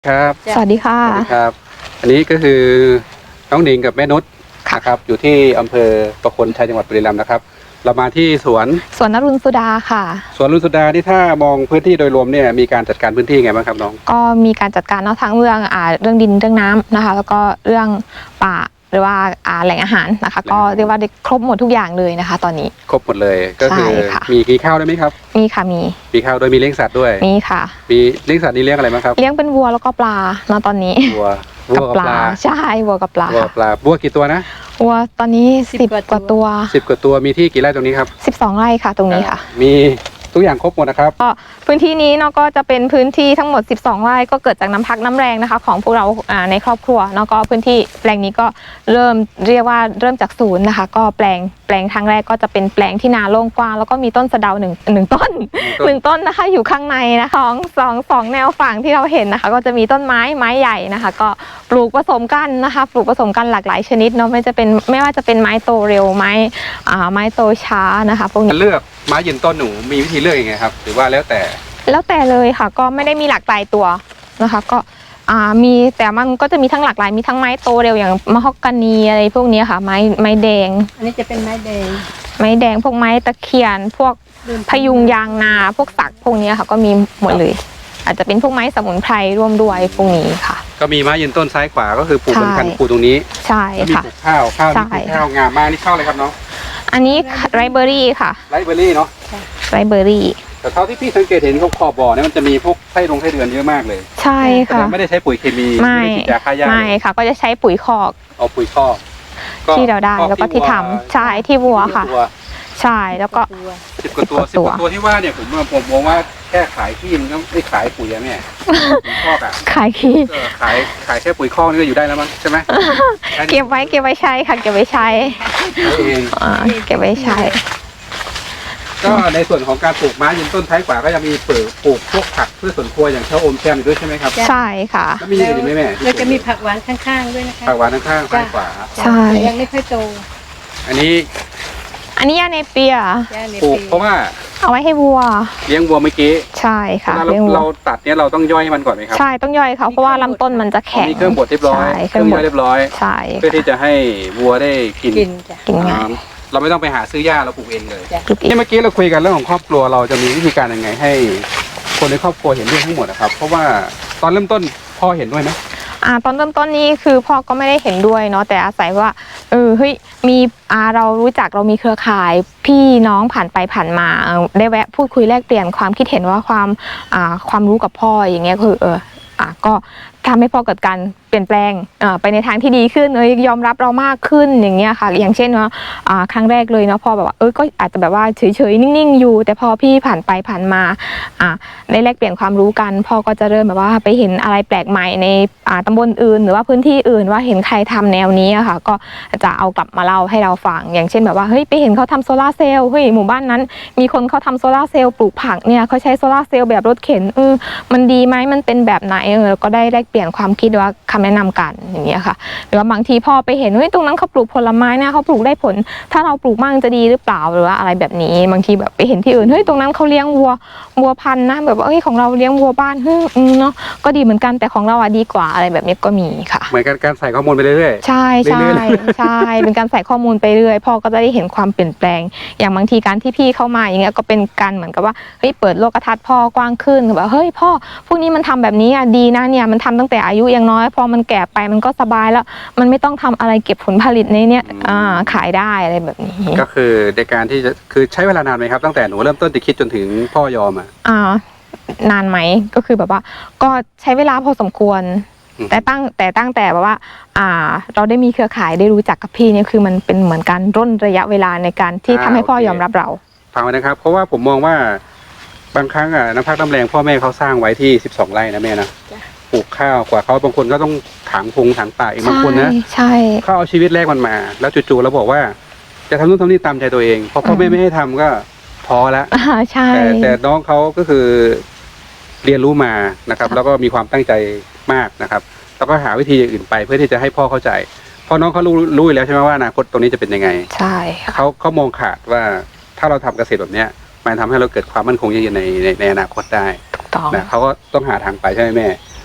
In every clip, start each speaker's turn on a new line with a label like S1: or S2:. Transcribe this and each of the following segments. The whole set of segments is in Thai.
S1: ครับ
S2: สวัสดีค่ะ
S1: สวัสดีครับอันนี้ก็คือน้องหนิงกับแม่นุชนะครับอยู่ที่อำเภอประโคนชัยจังหวัดบุรีรัมย์นะครับเรามาที่สวน
S2: นรุณสุดาค่ะ
S1: สวนรุณสุดาที่ถ้ามองพื้นที่โดยรวมเนี่ยมีการจัดการพื้นที่ไงบ้างครับน้อง
S2: ก็มีการจัดการทั้งเรื่องดินเรื่องน้ำนะคะแล้วก็เรื่องป่าหรือว่าแหล่งอาหารนะคะก็เรียกว่าได้ครบหมดทุกอย่างเลยนะคะตอนนี้
S1: ครบหมดเลยก็คือมีข้าวได้ไหมครับ
S2: มีค่ะมี
S1: ข้าวโดยมีเลี้ยงสัตว์ด้วย
S2: มีค่ะ
S1: มีเลี้ยงสัตว์นี่เลี้ยงอะไรบ้างครับ
S2: เลี้ยงเป็นวัวแล้วก็ปลาตอนนี้
S1: วัว
S2: กับปลาใช่วัวกับปลา
S1: วัวกี่ตัวนะ
S2: วัวตอนนี้10 กว่าตัว
S1: 10 กว่าตัวมีที่กี่ไร่ตรงนี้ครับ
S2: 12 ไร่ค่ะตรงนี้ค่ะ
S1: มีทุกอย่างครบหมดนะครับ
S2: ก็พื้นที่นี้เนาะก็จะเป็นพื้นที่ทั้งหมด12 ไร่ก็เกิดจากน้ำพักน้ำแรงนะคะของพวกเราในครอบครัวเนาะก็พื้นที่แปลงนี้ก็เริ่มจากศูนย์นะคะก็แปลงครั้งแรกก็จะเป็นแปลงที่นาโล่งกว้างแล้วก็มีต้นสะเดาหนึ่งต้นต้นนะคะอยู่ข้างในนะคะสองแนวฝั่งที่เราเห็นนะคะก็จะมีต้นไม้ใหญ่นะคะก็ปลูกผสมกันนะคะปลูกผสมกันหลากหลายชนิดเนาะไม่ว่าจะเป็นไม้โตเร็วไม้โตช้านะคะพวกนี้
S1: เลือกไม้ยืนต้นหนูมีวิธีเลือกยังไงครับหรือว่าแล้วแต่
S2: เลยค่ะก็ไม่ได้มีหลากหลายตัวนะคะก็มีแต่มันก็จะมีทั้งหลากหลายมีทั้งไม้โตเร็วอย่างมะฮอกกานีอะไรพวกนี้ค่ะไม้แดง
S3: อันนี้จะเป็นไม้แดง
S2: พวกไม้ตะเคียนพวกพยุงยางนาพวกสักพวกนี้ค่ะก็มีหมดเลยอาจจะเป็นพวกไม้สมุนไพรร่วมด้วยพวกนี้ค่ะ
S1: ก็มีไม้ยืนต้นซ้ายขวาก็คือปลูกบนคันปลูกตรงนี้
S2: ใช่ค่ะ
S1: มีปลูกข้าวนี่ข้าวงามมากนี่ข้าวอะไรครับน้อง
S2: อันนี้ไรเบอรี่ค่ะ
S1: ไรเบอรี่เนาะ
S2: ไรเบอรี่
S1: แต่เท่าที่พี่สังเกตเห็นขอบบ่อเนี่ยมันจะมีพวกไส้เดือนเยอะมากเลย
S2: ใช่ค่ะ
S1: ไม่ได้ใช้ปุ๋ยเคมีไม่ได้ฉีดยาฆ่าหญ้า
S2: ไม่ค่ะก็จะใช้ปุ๋ยคอก
S1: เอาปุ๋ยคอก
S2: ที่เราได้แล้วก็ที่ทำใช่ที่วัวค่ะใช่แล้วก็
S1: 10 กว่าตัวที่ว่าเนี่ยผมมองว่าแค่ขายขี้มันก็ไม่ขายปุ๋ยอะแม่คอกอะ
S2: ขายขี้
S1: ขายแค่ปุ๋ยคอกนี่ก็อยู่ได้แล้วมั้งใช่ไหม
S2: เก็บไว้ใช้ค่ะเก็บไว้ใช้เก็บไว้ใช้
S1: ก็ในส่วนของการปลูกไม้ยืนต้นท้ายขวาก็จะมีปลูกพวกผักพืชสวนครัวอย่างเช่าอมแซมด้วยใช่ไหมครับ
S2: ใช่ค่ะ
S1: แล้วมีอะไรไหมแม่
S3: เราจะมีผักหวานข้างๆด้วยนะคะ
S1: ผักหวานข้างๆซ้ายขวา
S2: ใช่
S3: ยังไม่ค่อยโต
S1: อันนี้
S2: ยาเนเปีย
S1: ปลูกเพราะว่า
S2: เอาไว้ให้วัว
S1: เลี้ยงวัวเมื่อกี้
S2: ใช่ค่ะ
S1: เราตัดเนี่ยเราต้องย่อยมันก่อนไหมครับ
S2: ใช่ต้องย่อยเขาเพราะว่าลำต้นมันจะแข็ง
S1: มีเครื่องบดเรียบร้อย
S2: เครื่อง
S1: ย่อยเรียบร้อย
S2: ใช่
S1: เพื่อที่จะให้วัวได้กิน
S2: ง่าย
S1: เราไม่ต้องไปหาซื้อหญ้าเราปลูกเองเลยนี่เมื่อกี้เราคุยกันเรื่องของครอบครัวเราจะมีวิธีการยังไงให้คนในครอบครัวเห็นด้วยทั้งหมดนะครับเพราะว่าตอนเริ่มต้นพ่อเห็นด้วยไหม
S2: ตอนเริ่มต้นนี้คือพ่อก็ไม่ได้เห็นด้วยเนาะแต่อาศัยว่าเฮ้ยมีเรารู้จักเรามีเครือข่ายพี่น้องผ่านไปผ่านมาได้แวะพูดคุยแลกเปลี่ยนความคิดเห็นว่าความรู้กับพ่ออย่างเงี้ยคือก็ทำให้พ่อเกิดการเปลี่ยนแปลงไปในทางที่ดีขึ้นยอมรับเรามากขึ้นอย่างเงี้ยค่ะอย่างเช่นว่าครั้งแรกเลยเนาะพ่อแบบว่าก็อาจจะแบบว่าเฉยๆนิ่งๆอยู่แต่พอพี่ผ่านไปผ่านมาได้แลกเปลี่ยนความรู้กันพ่อก็จะเริ่มแบบว่าไปเห็นอะไรแปลกใหม่ในตำบลอื่นหรือว่าพื้นที่อื่นว่าเห็นใครทำแนวนี้อะค่ะก็จะเอากลับมาเล่าให้เราฟังอย่างเช่นแบบว่าเฮ้ยไปเห็นเขาทำโซล่าเซลล์เฮ้ยหมู่บ้านนั้นมีคนเขาทำโซล่าเซลล์ปลูกผักเนี่ยเขาใช้โซล่าเซลล์แบบรถเข็นมันดีไหมมันเป็นแบบไหนก็ได้แลกเปลี่ยนความคิดว่าคำแนะนำกันอย่างเงี้ยค่ะหรือว่าบางทีพ่อไปเห็นเฮ้ยตรงนั้นเขาปลูกผลไม้เนี่ยเขาปลูกได้ผลถ้าเราปลูกมั่งจะดีหรือเปล่าหรือว่าอะไรแบบนี้บางทีแบบไปเห็นที่อื่นเฮ้ยตรงนั้นเขาเลี้ยงวัวพันธุ์นะแบบว่าเฮ้ยของเราเลี้ยงวัวบ้านเนาะก็ดีเหมือนกันแต่ของเราดีกว่าอะไรแบบนี้ก็มีค่ะ
S1: เหมือนการใส่ข้อมูลไปเรื่อย
S2: ๆใช่เป็นการใส่ข้อมูลไปเรื่อยพ่อก็จะได้เห็นความเปลี่ยนแปลงอย่างบางทีการที่พี่เข้ามาอย่างเงี้ยก็เป็นการเหมือนกับว่าเฮ้ยเปิดโลกทัศน์พ่อกว้างขึ้นแบบเฮ้ยพ่อพวกนี้มันทำแบบนี้ดีนะเนี่ยมันทำตั้งแต่อายุยังน้อยพอมันแก่ไปมันก็สบายแล้วมันไม่ต้องทำอะไรเก็บผลผลิตในเนี้ยขายได้อะไรแบบนี้
S1: ก็คือในการที่จะคือใช้เวลานานไหมครับตั้งแต่หนูเริ่มต้นจะคิดจนถึงพ่อยอม
S2: นานไหมก็คือแบบว่าก็ใช้เวลาพอสมควรแต่ตั้งแต่แบบว่าเราได้มีเครือข่ายได้รู้จักกับพี่เนี่ยคือมันเป็นเหมือนการร่นระยะเวลาในการที่ทำให้พ่อยอมรับเรา
S1: ฟังไว้นะครับเพราะว่าผมมองว่าบางครั้งน้ำพักน้ำแรงพ่อแม่เขาสร้างไว้ที่12 ไร่นะแม่นะปลูกข้าวกว่าเขาบางคนก็ต้องถางป่าอีกบางคนนะ
S2: ใช่
S1: เขาเอาชีวิตแรกมันมาแล้วจู่ๆแล้วบอกว่าจะทำนู่นทำนี่ตามใจตัวเองพอพ่อแม่ไม่ให้ทำก็ท้อแล้ว
S2: ใช่
S1: แต่น้องเขาก็คือเรียนรู้มานะครับแล้วก็มีความตั้งใจมากนะครับแล้วก็หาวิธีอย่างอื่นไปเพื่อที่จะให้พ่อเข้าใจเพราะน้องเขารู้อยู่แล้วใช่ไหมว่าอนาคตตรงนี้จะเป็นยังไง
S2: ใช่
S1: เขามองขาดว่าถ้าเราทำเกษตรแบบเนี้ยมันทำให้เราเกิดความมั่นคงยั่งยืนในอนาคตได้นะเขาก็ต้องหาทางไปใช่ไหมแม่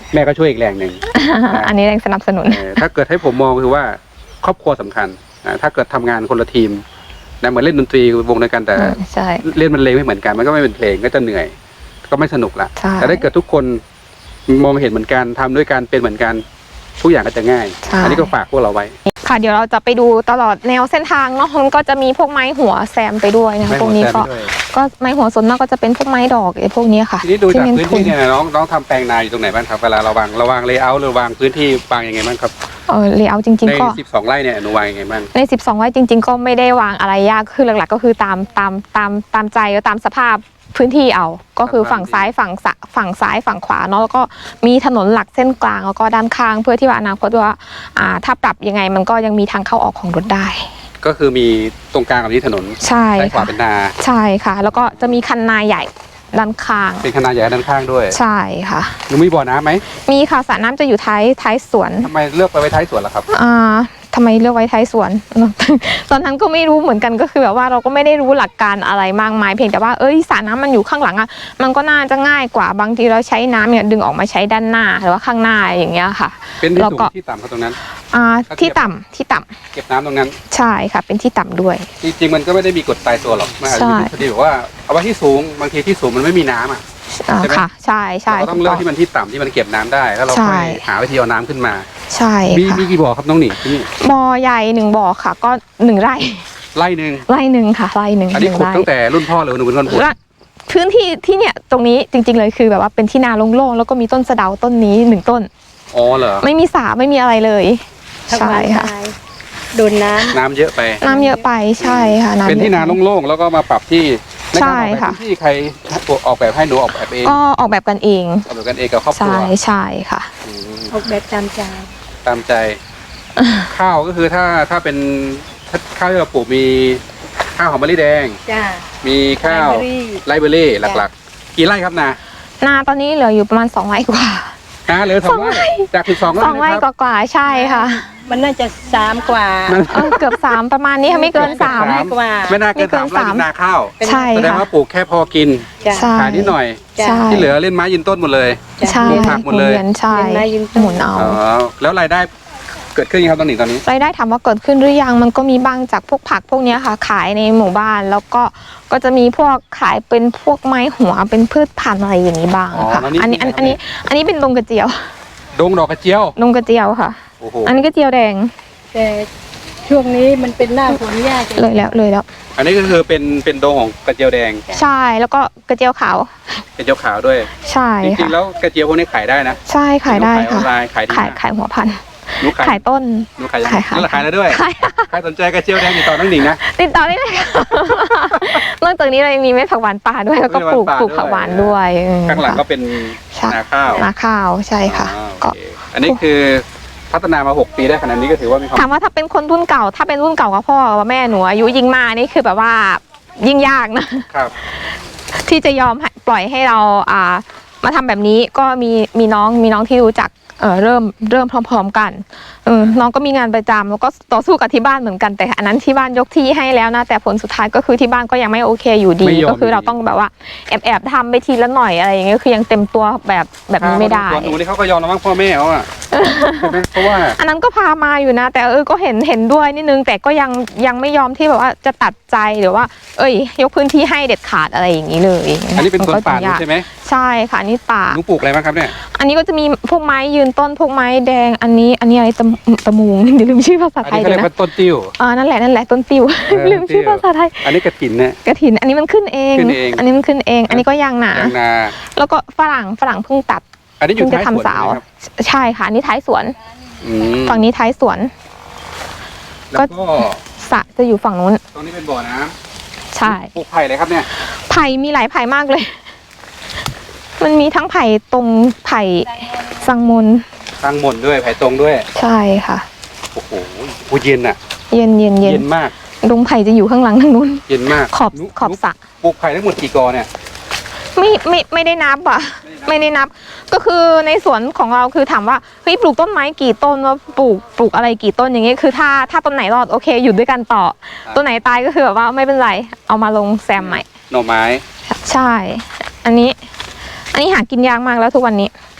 S1: แม่ก็ช่วยอีกแรงหนึ่ง
S2: อันนี้แรงสนับสนุน
S1: ถ้าเกิดให้ผมมองคือว่าครอบครัวสำคัญถ้าเกิดทำงานคนละทีมนะเหมือนเล่นดนตรีวงเดียวกันแต่
S2: ใช่
S1: เล่นมันเลงไม่เหมือนกันมันก็ไม่เป็นเพลงก็จะเหนื่อย ก็ไม่สนุกละ
S2: ใช่
S1: แต่ถ้าเกิดทุกคนมองเห็นเหมือนกันทำด้วยกันเป็นเหมือนกันทุกอย่างก็จะง่าย
S2: ใช่
S1: อันนี้ก็ฝากพวกเราไว้
S2: ค่ะเดี๋ยวเราจะไปดูตลอดแนวเส้นทางเนาะมันก็จะมีพวกไม้หัวแซมไปด้วยนะคะพวกนี้ก็ไม้หัวส่วนมากก็จะเป็นพวกไม้ดอกไอ้พวกนี้ค่ะ
S1: ทีนี้ดูจาก
S2: ที่
S1: พื้นที่เนี่ยน้องทำแปลงนาอยู่ตรงไหนบ้างครับเวลาเราวางเลเยอร์หรือวางพื้นที่วางยังไงบ้างครับ
S2: เลเยอร์จริง
S1: ใน
S2: ๆก็
S1: 12 ไร่เนี่ยหนูวางยังไงบ้าง
S2: ใน12ไร่จริง ๆ ก็ไม่ได้วางอะไรยากคือหลักๆก็คือตามใจแล้วตามสภาพพื้นที่เอาก็คือฝั่งซ้ายฝั่งซ้ายฝั่งขวาเนาะแล้วก็มีถนนหลักเส้นกลางแล้วก็ด้านข้างเพื่อที่ว่าอนาคตว่าถ้าปรับยังไงมันก็ยังมีทางเข้าออกของรถได้
S1: ก็คือมีตรงกลางกับที่ถนน
S2: ใช่
S1: ซ้ายขวา
S2: ค่ะ
S1: เป็นนา
S2: ใช่ค่ะ แล้วก็จะมีคันนาใหญ่ด้านข้าง
S1: เป็นคณะใหญ่ด้านข้างด้วย
S2: ใช่ค่ะ
S1: หนูมีบ่อน้ำไหม
S2: มีค่ะสระน้ำจะอยู่ท้ายสวน
S1: ทำไมเลือกไปไว้ท้ายสวนล่ะครับ
S2: ทำไมเลือกไว้ท้ายสวน ตอนนั้นก็ไม่รู้เหมือนกันก็คือแบบว่าเราก็ไม่ได้รู้หลักการอะไรมากมายเพียงแต่ว่าสระน้ำมันอยู่ข้างหลังอ่ะมันก็น่าจะง่ายกว่าบางทีเราใช้น้ำเนี่ยดึงออกมาใช้ด้านหน้าหรือว่าข้างหน้าอย่างเงี้ยค่ะ
S1: เป็นที่
S2: แล้ว
S1: สูง
S2: ก็
S1: ที่ต่ำครับตรงนั้น
S2: ที่ต่ำ
S1: เก็บน้ำตรงนั้น
S2: ใช่ค่ะเป็นที่ต่ำด้วย
S1: จริงๆมันก็ไม่ได้มีกฎตายตัวหรอกมันอาจจะมีทฤษฎีบอกว่าเอาไว้ที่สูงบางทีที่สูงมันไม่มีน้ำอ่ะ ใช่ไหม
S2: ค่ะใช่ใช่
S1: เราต้องเลือกที่มันที่ต่ำที่มันเก็บน้ำได้แล้วเรา
S2: ใช่
S1: ค่อยหาวิธีเอาน้ำขึ้นมา
S2: ใช่
S1: มี
S2: ค่ะ
S1: กี่บ่อครับน้องหนิงที่นี่
S2: บ่อใหญ่1บ่อค่ะก็1 ไร่
S1: ไร่หนึ่ง
S2: ไร่หนึ่งค่ะไร่หนึ่ง
S1: อันนี้ขุด
S2: 1 ไร่
S1: ตั้งแต่รุ่นพ่อหรือหนูเป็นคนขุด
S2: และพื้นที่ที่เนี่ยตรงนี้จริงๆเลยคือแบบว่าเป็นที่นาโล่งๆแล้วก็มีต้นสะเดาต้นนี้1 ต้น
S1: อ๋อเหรอ
S2: ไม่มีสระไม่มีอะไรเลย
S3: ผักห
S2: ใช่
S3: วาน
S2: ค่ะ
S3: ตายโดนน้
S1: น้ำเยอะไป
S2: น้ำเยอะไปใช่ค่ะำ
S1: เป็นที่นา
S2: เยอะไป
S1: โล่งๆแล้วก็มาปรับที่ในการออกแบบ
S2: ใช่ค่ะ
S1: พื้นที่ใครออกแบบให้หนูออกแบบเอง
S2: ก็ออกแบบกันเอง
S1: ออกแบบกันเองกับครอบครัว
S2: ใช่ใช่ค่ะ
S1: อืม
S3: ำออกแบบตามใจ
S1: ตามใจ ข้าวก็คือถ้าเป็นข้าวที่เราปลูกมีข้าวหอมมะลิแดง
S3: จ้า
S1: มีข้าว
S3: ไลฟ์เบอรี่
S1: ไรเบอรี่หลักๆ กี่ไร่ครับนา
S2: นาตอนนี้เหลืออยู่ประมาณ2 ไร่กว่า
S1: นาเหลือ2 ไร่จาก12 ไร่
S2: 2 ไร่
S1: นะครับ
S2: กว่าๆใช่ค่ะ
S3: มันน่าจะ3 กว่า
S2: เกือบ3ประมาณนี้ค่ะไม่เกิน
S1: เกือบสาม
S3: 3 กว่า
S1: ไม่น่าเกิน
S2: ไม่เกิน
S1: 3 ไร่เป็นนาข้าว
S3: เป็น
S2: ใช่
S1: แสดง
S2: ค่ะ
S1: ว่าปลูกแค่พอกิน
S3: จ้า
S2: ใช่
S1: ขายนิดหน่อย
S3: จ้า
S2: ใช่
S1: ที่เหลือเล่นไม้ยืนต้นหมดเลย
S2: ใช่
S1: ปลูกผักหมดเลย
S2: วีนใช่
S3: เวียนไม้ยืนต้น
S2: หมุนเอา
S1: อ๋อแล้วรายได้เกิดขึ้นยังครับตอนนี้
S2: รายได้ถามว่าเกิดขึ้นหรือยังมันก็มีบ้างจากพวกผักพวกเนี้ยค่ะ ขายในหมู่บ้านแล้วก็จะมีพวกขายเป็นพวกไม้หัวเป็นพืชพันธุ์อะไรอย่างนี้บ้างค่ะอันนี้เป็นดงกระเจียว
S1: ดงดอกกระเจียว
S2: ดงกระเจียวค่ะ
S1: โอ้โห
S2: อันนี้กระเจียวแดง
S3: แต่ช่วงนี้มันเป็นหน้าฝนยาก
S2: เลยแล้ว
S1: อันนี้ก็คือเป็นดงของกระเจียวแดง
S2: ใช่แล้วก็กระเจียวขาว
S1: กระเจียวขาวด้วย
S2: ใช่
S1: จริ
S2: ค่ะ
S1: งๆแล้วกระเจียวพวกนี้ขายได้นะ
S2: ใช่ขายได้
S1: หนูขายออ
S2: ค่ะ
S1: นไลน์ขายดีมาก
S2: ขายหัวพันธุ์
S1: หนูขาย
S2: ขายต้น
S1: หนูขายยัง
S2: ขาย
S1: นั่นแหละขายแล้วด้วย
S2: ขาย
S1: ใครสนใจกระเจียวแดงติดต่อน้องหนิงนะ
S2: ติดต่อได้เลยค่ะ นอกจากนี้เรายังมีเม็ดผักหวานป่าด้วยแล้วก็ปลูก
S1: เม็ดผักหวานป่าด้วย
S2: ผักหวานด้วย
S1: ข้างหลังก็เป็น
S2: ใช่
S1: นาข้าว
S2: นาข้าวใช่ค่ะ
S1: อ๋อ
S2: ก็
S1: โอเคอันนี้คือพัฒนามา6 ปีได้ขนาดนี้ก็ถือว่ามีความ
S2: ถามว่าถ้าเป็นคนรุ่นเก่า ถ้าเป็นรุ่นเก่ากับพ่อกับแม่หนูอายุยิ่งมากนี่คือแบบว่ายิ่งยากนะ
S1: ครับ
S2: ที่จะยอมให้ปล่อยให้เรามาทำแบบนี้ก็มีน้องที่รู้จักเริ่มพร้อมๆกันน้องก็มีงานประจำแล้วก็ต่อสู้กับที่บ้านเหมือนกันแต่อันนั้นที่บ้านยกที่ให้แล้วนะแต่ผลสุดท้ายก็คือที่บ้านก็ยังไม่โอเคอยู่ดี
S1: ไม่ยอม
S2: ก็คือเราต้องแบบว่าแอบทำไปทีละหน่อยอะไรอย่างเงี้ยคือยังเต็มตัวแบบนี้ไม่ได้
S1: ตัวหนูนี่เขาก็ยอมแล้วมั้งพ่อแม่เขาอ่ะใช่ไหมเพราะว่า
S2: อันนั้นก็พามาอยู่นะ แต่ก็เห็นด้วยนิดนึงแต่ก็ยังไม่ยอมที่แบบว่าจะตัดใจหรือว่า ยกพื้นที่ให้เด็ดขาดอะไรอย่างนี้เลย
S1: อันนี้เป็นสวนป่า
S2: มัก็จะยก
S1: ใช่ไหม
S2: ใช่ค่ะอันนี่ป่า
S1: หนูปลูกอะไรบ้างครับเนี่ย
S2: อันนี้ก็จะมีพวกไม้ยืนต้นพวกไม้แดงอันนี้อะไรตะมูง เดี๋ยวลืมชื่อภาษา
S1: อัน
S2: ไทย
S1: นี้เขา
S2: เล
S1: เรี
S2: ย
S1: ยก
S2: นะ
S1: ว่าต้นติ้ว
S2: นั่นแหละต้นติว ลืมชื่อภาษาไทย
S1: อันนี้กระถินเนี่ย
S2: กระถินอันนี้มันขึ้นเอง
S1: ขึ้นเอง
S2: อันนี้มันขึ้นเอง อันนี้ก็ยางหนา
S1: ยางนา
S2: แล้วก็ฝรั่งเพิ่งตัด
S1: อันนี้อยู่
S2: เพิ่งจะ
S1: ท้ายสวน
S2: ทำสาว
S1: ใช่ไหมครับ
S2: ใช่ค่ะอันนี้ท้ายสวน
S1: อืม
S2: ฝั่งนี้ท้ายสวน
S1: แล้วก็
S2: สระจะอยู่ฝั่งนู้น
S1: ตรงนี้เป็นบ่อน้ำ
S2: ใช่
S1: ปลูกไผ่เลยครับเนี่ย
S2: ไผ่มีหลายไผ่มากเลย มันมีทั้งไผ่ตรงไผ่สังมน
S1: ตั้งหม่นด้วยไผ่ตรงด้วย
S2: ใช่ค่ะ
S1: โอ้โหเย็นอ่ะ
S2: เย็น
S1: เย็นมาก
S2: ดงไผ่จะอยู่ข้างหลังทางนู้น
S1: เย็นมาก
S2: ขอบสระ
S1: ปลูกไผ่ทั้งหมดกี่กอเนี่ย
S2: ไม่ได้นับอ่ะ ไม่ได้นับ ก็คือในสวนของเราคือถามว่าเฮ้ยปลูกต้นไม้กี่ต้นว่าปลูกอะไรกี่ต้นอย่างเงี้ยคือถ้าต้นไหนรอดโอเคอยู่ด้วยกันต่อต้นไหนตายก็คือแบบว่าไม่เป็นไรเอามาลงแซมใหม่
S1: หน่อไม้
S2: ใช่ อันนี้หากินยากมากแล้วทุกวันนี้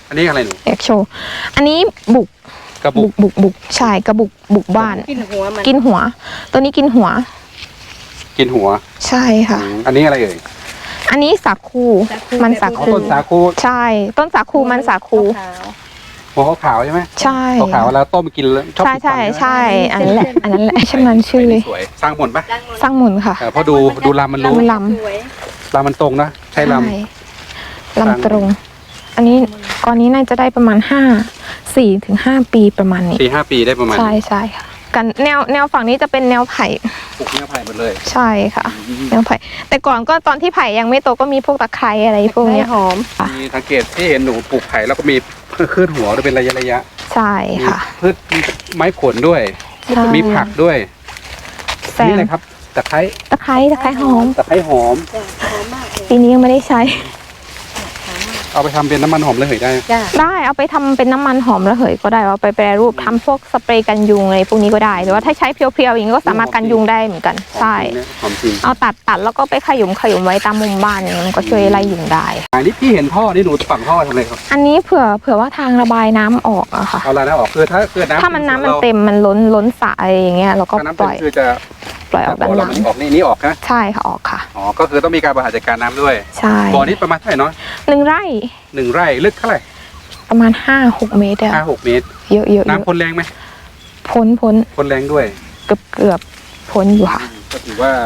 S1: อันนี้อะไรหนู
S2: อยากโชว์อันนี้บุก
S1: กระบุก
S2: บุกใช่กระบุกบ้าน
S3: กินหัวมัน
S2: กินหัว ตัวนี้กินหัว
S1: กินหัว
S2: ใช่ค่ะ
S1: อันนี้อะไรเอ่ย
S2: อันนี้สาคูมันสา
S1: อ๋อ
S2: คู
S1: ต้นสาคู
S2: ใช่ ต้นสาคูมันสาคู
S3: ขาว
S1: หัวขาวๆใช่ไหม
S2: ใช่
S1: ขาวๆแล้วต้มกินแล้วชอบ
S2: ใช่
S1: กิน
S2: ใช่
S1: ฟัน
S2: ใช่อันนั้นแหละอันนั้นแหละช่างมันชื่อเลย
S1: สวยสร้างหมนปะ
S2: สร้างหมุนค่ะ
S1: เพราะดูลำมันรู้
S2: ลำ
S3: สวย
S1: ลำมันตรงนะใช่ล
S2: ใช่ลำตรง อันนี้ก้อนนี้น่าจะได้ประมาณ4 ถึง 5 ปีประมาณนี้
S1: ำ4-5 ปีได้ประมาณ
S2: ใช่ใช่ค่ะกันแนวฝั่งนี้จะเป็นแนวไผ่
S1: ปลูกเนื้อไผ่หมดเลย
S2: ใช่ค่ะ แนวไผ่แต่ก่อนก็ตอนที่ไผ่ยังไม่โตก็มีพวกตะไคร้อะไรพวกเนี้ย
S3: หอม
S1: มีสังเกตที่เห็นหนูปลูกไผ่แล้วก็มีขึ้นหัวด้วยเป็นระยะ
S2: ใช่ค่ะ
S1: พืชไม้ผลด้วย
S2: ใช่
S1: มีผักด้วย
S2: แซ
S1: นี่
S2: ม
S1: อะไรครับตะไคร้
S2: ตะไคร้หอม
S1: ตะไคร้หอม
S3: จ้ะหอมมากเลย
S2: ปีนี้ยังไม่ได้ใช้
S1: เอาไปทำเป็นน้ำมันหอมระเหยได้
S3: จ้ะ
S2: ได้เอาไปทำเป็นน้ำมันหอมระเหยก็ได้เอาไปแปรรูปทำพวกสเปรย์กันยุงอะไรพวกนี้ก็ได้หรือว่าถ้าใช้เพียวๆอย่างนี้ก็สามารถกันยุงได้เหมือนกัน ใช่
S1: หอมจริง
S2: เอาตัดแล้วก็ไปขยุมไว้ตามมุมบ้านอย่างนี้มันก็ช่วยไล่ยุงได้
S1: อันนี้พี่เห็นท่อนี่หนูฝังท่อทำอะไรครับ
S2: อันนี้เผื่อว่าทางระบายน้ำออกอะค่ะ
S1: เอาอะไรนะออกคือถ้าเกิดน้ำ
S2: ถ้ามันน้ำมันเต็มมันล้นสระอะไรอย่างเงี้ยเราก็
S1: ถ้าน้ำ
S2: ป
S1: เต็
S2: ล่
S1: ม
S2: อย
S1: คือจะ
S2: ปล่อยออกด้านหลัง
S1: ออกนี่ออกนะ
S2: ใช่ค่ะออกค่ะ
S1: อ๋อก็คือต้องมีการบริหารจัดการน้ำด้วย
S2: ใช่
S1: บ่อนี้ประมาณเท่าไหร่เนาะ
S2: 1 ไร่
S1: 1 ไร่ลึกเท่าไหร่
S2: ประมาณ5-6 เมตรอะ
S1: 5-6 เมตร
S2: เยอะๆ
S1: น้ำพ่นแรงไหม
S2: พ้น
S1: พ่นแรงด้วย
S2: เกือบพ้นอยู่ค่ะ
S1: ก็ถือว่า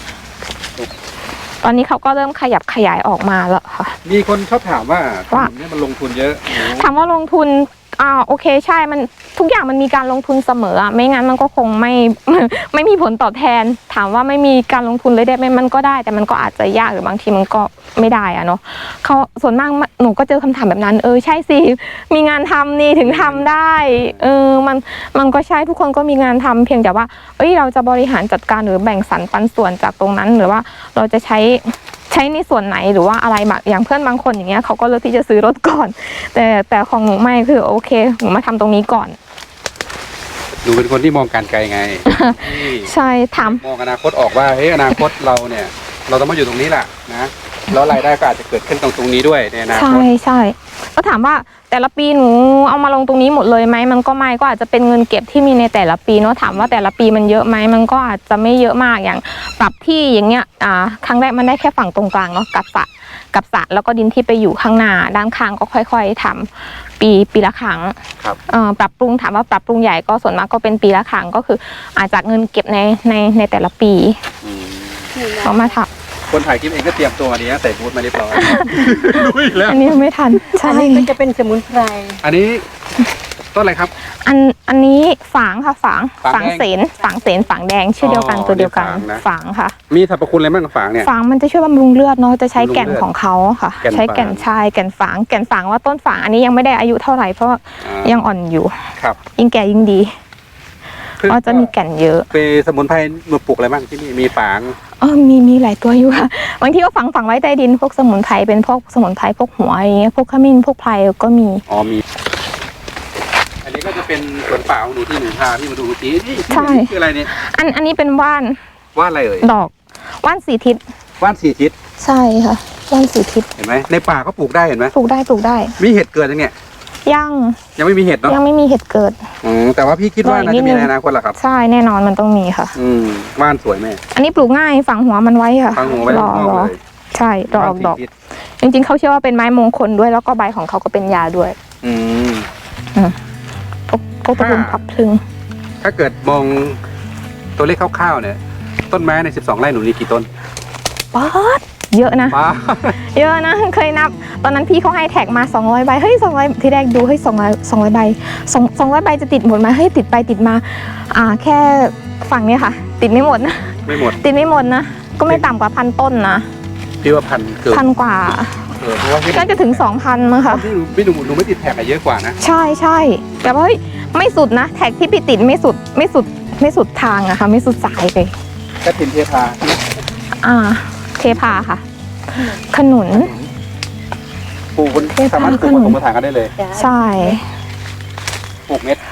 S2: ตอนนี้เขาก็เริ่มขยับขยายออกมาแล้วค่ะ
S1: มีคนชอบถามว่า
S2: ว่า
S1: ถนนเนี่ยมันลงทุนเยอะ
S2: ถามว่าลงทุนโอเคใช่มันทุกอย่างมันมีการลงทุนเสมออะไม่งั้นมันก็คงไม่ ไม่มีผลตอบแทน ถามว่าไม่มีการลงทุนเลยได้ไหมมันก็ได้ แต่มันก็อาจจะยากหรือบางทีมันก็ไม่ได้อะเนาะเขาส่วนมากหนูก็เจอคำถามแบบนั้นใช่สิมีงานทำนี่ถึงทำได้มันก็ใช่ทุกคนก็มีงานทำเพียงแต่ว่าเราจะบริหารจัดการหรือแบ่งสรรปันส่วนจากตรงนั้นหรือว่าเราจะใช้ในส่วนไหนหรือว่าอะไรแบบอย่างเพื่อนบางคนอย่างเงี้ยเขาก็เลือกที่จะซื้อรถก่อน แต่ของหนูไม่คือโอเคหนูมาทำตรงนี้ก่อน
S1: หนูเป็นคนที่มองการไกลไง ที่
S2: ใช่ถาม
S1: มองอนาคตออกว่าเฮ้ยอนาคตเราเนี่ย เราต้องมาอยู่ตรงนี้แหละนะแล้วรายได้ก็อาจจะเกิดขึ้นตรงนี้ด้วยในอนาค
S2: ใช่
S1: ต
S2: ใช่ก็ถามว่าแต่ละปีหนูเอามาลงตรงนี้หมดเลยไหมมันก็ไม่ก็อาจจะเป็นเงินเก็บที่มีในแต่ละปีเนาะถามว่าแต่ละปีมันเยอะไหมมันก็อาจจะไม่เยอะมากอย่างปรับที่อย่างเงี้ยครั้งแรกมันได้แค่ฝั่งตรงกลางเนาะกับสระแล้วก็ดินที่ไปอยู่ข้างหน้าด้านข้างก็ค่อยๆทำปีละครั้ง
S1: ครับ
S2: ปรับปรุงถามว่าปรับปรุงใหญ่ก็ส่วนมากก็เป็นปีละครั้งก็คืออาจจะเงินเก็บในแต่ละปี
S1: อืม
S2: เอามาท
S1: คนถ่ายคลิปเองก็เตรียมตัวมาดีนะใส่บูทมาเรียบร้อย รู้อีกแล้ว
S2: ำอันนี้ไม่ทันใช่
S3: อันนี้ก็จะเป็นสมุนไพร
S1: อันนี้ต้นอะไรครับ
S2: อันนี้ฝางค่ะฝาง
S1: ฝางแดง
S2: ฝางฝางแดงชื่อเดียวกัน
S1: อ๋อ
S2: ตัวเดียวกัน
S1: นี่ฝางนะ
S2: ฝางค่ะ
S1: มีสรรพคุณอะไรบ้างกับฝางเนี่ย
S2: ฝางมันจะช่วยบำรุงเลือดเนาะจะใช้แก่น
S1: บำรุงเลือด
S2: ของเขาค่ะ
S1: แก่น
S2: ใช้แก่น
S1: ฝาง
S2: ชายแก่นฝางว่าต้นฝางอันนี้ยังไม่ได้อายุเท่าไหร่เพราะว่า
S1: อ่า
S2: ยังอ่อนอยู่
S1: ครับ
S2: ยิ่งแก่ยิ่งดี
S1: คือ
S2: ก็จะมีแก่นเยอะ
S1: เป็นสมุนไพรมาปลูกอะไรบ้างที่นี่มีฝาง
S2: มีหลายตัวอยู่ค่ะบางทีก็ฝังไว้ใต้ดินพวกสมุนไพรเป็นพวกสมุนไพรพวกหัวอย่างเงี้ยพวกขมิ้นพวกไพรก็มี
S1: อ๋อมี อันนี้ก็จะเป็นสวนป่าของหนูที่หนูพาพี่มาดูเมื่อกี้นี่
S2: ใช่
S1: นี่คืออะไรเนี่ย
S2: อันนี้เป็นว่าน
S1: ว่านอะไรเอ่ย
S2: ดอกว่านสีทิศ
S1: ว่านสี่ทิศ
S2: ใช่ค่ะว่านสีทิศ
S1: เห็นไหมในป่าก็ปลูกได้เห็นไหม
S2: ปลูกได้
S1: มีเห็ดเกิดยังเนี่ย
S2: ยัง
S1: ไม่มีเห็ดเนาะ
S2: ไม่มีเห็ดเกิด
S1: แต่ว่าพี่คิดว่าน่าจะมีในอนาคตแหละครับ
S2: ใช่แน่นอนมันต้องมีค่ะ
S1: ว่านสวยแม่
S2: อันนี้ปลูกง่ายฝังหัวมันไว้ค่ะ
S1: ฟังหัวไว้
S2: รอ
S1: ข้างนอกเลย
S2: ใช่รอออกดอก
S1: ว่านสี่ทิศ
S2: จริงๆเขาเชื่อว่าเป็นไม้มงคลด้วยแล้วก็ใบของเขาก็เป็นยาด้วย
S1: อืม
S2: พวกตระกูลพับพลึง
S1: ถ้าเกิดมองตัวเลขคร่าวๆเนี่ย ต้นไม้ใน12 ไร่หนูมีกี่ต้น
S2: ป๊าดเยอะนะ
S1: ป้า
S2: เยอะนะเคยนับ ตอนนั้นพี่เขาให้แท็กมา200 ใบเฮ้ย200ที่แรกดูเฮ้ย200ใบ200 ใบจะติดหมดไหมเฮ้ยติดไปติดมาแค่ฝั่งเนี้ยค่ะ ติดไม่หมดนะ
S1: ไม่หมด
S2: ติดไม่หมดนะก็ไม่ต่ำกว่า1,000 ต้นนะ
S1: พี่ว่าพันเกิน
S2: 1,000 กว่า
S1: เพราะว่าพี่
S2: น่าจะถึง 2,000มั้งค่ะ
S1: พี่หนูไม่ติดแท็กอะเยอะกว่านะ
S2: ใช่แต่ว่าเฮ้ยไม่สุดนะแท็กที่พี่ติดไม่สุดทางอะค่ะไม่สุดสายเลย
S1: กระถินเทพา
S2: เทพาค่ะ ขนุน
S1: ปลูกบน
S2: เทพา
S1: สามารถปลูกบนสมถานกันได้เลย
S3: จ้ะ
S2: ใช่
S1: ปลูกเม็ด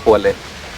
S1: ควรเลย